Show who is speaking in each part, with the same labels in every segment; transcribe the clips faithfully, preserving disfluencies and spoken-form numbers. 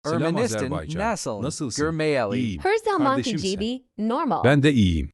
Speaker 1: Selam
Speaker 2: Ermenistan,
Speaker 1: Azerbaycan.
Speaker 2: Nasıl,
Speaker 1: Nasılsın?
Speaker 2: Gürmeyeli.
Speaker 1: İyiyim.
Speaker 3: Her zamanki
Speaker 1: Kardeşimsen.
Speaker 3: gibi normal.
Speaker 1: Ben de iyiyim.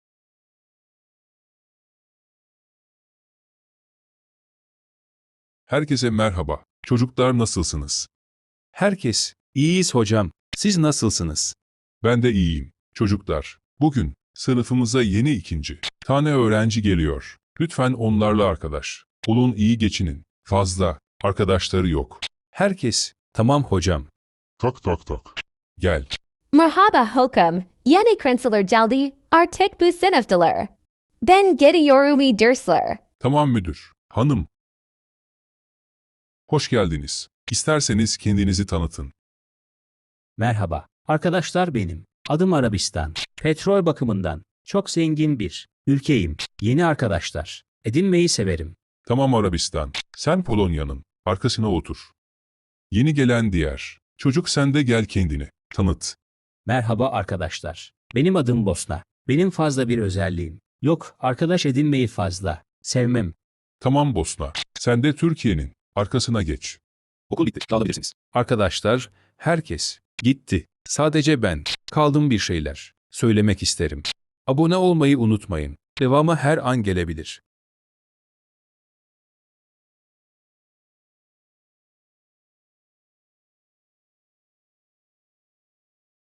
Speaker 4: Herkese merhaba. Çocuklar nasılsınız?
Speaker 1: Herkes, iyiyiz hocam. Siz nasılsınız?
Speaker 4: Ben de iyiyim. Çocuklar, bugün sınıfımıza yeni ikinci tane öğrenci geliyor. Lütfen onlarla arkadaş olun, iyi geçinin. Fazla arkadaşları yok.
Speaker 1: Herkes, tamam hocam.
Speaker 4: Tak tak tak. Gel.
Speaker 3: Merhaba hokum. Yeni krenseler geldi. Artık bu sınıftalar. Ben gidiyorum dersler.
Speaker 4: Tamam müdür. Hanım. Hoş geldiniz. İsterseniz kendinizi tanıtın.
Speaker 5: Merhaba, arkadaşlar benim. Adım Arabistan. Petrol bakımından çok zengin bir ülkeyim. Yeni arkadaşlar edinmeyi severim.
Speaker 4: Tamam Arabistan. Sen Polonya'nın arkasına otur. Yeni gelen diğer çocuk, sen de gel, kendini tanıt.
Speaker 5: Merhaba arkadaşlar. Benim adım Bosna. Benim fazla bir özelliğim yok. Arkadaş edinmeyi fazla sevmem.
Speaker 4: Tamam Bosna. Sen de Türkiye'nin arkasına geç.
Speaker 1: Okul bitti, dağılabilirsiniz. Arkadaşlar, herkes gitti. Sadece ben kaldım, bir şeyler söylemek isterim. Abone olmayı unutmayın. Devamı her an gelebilir.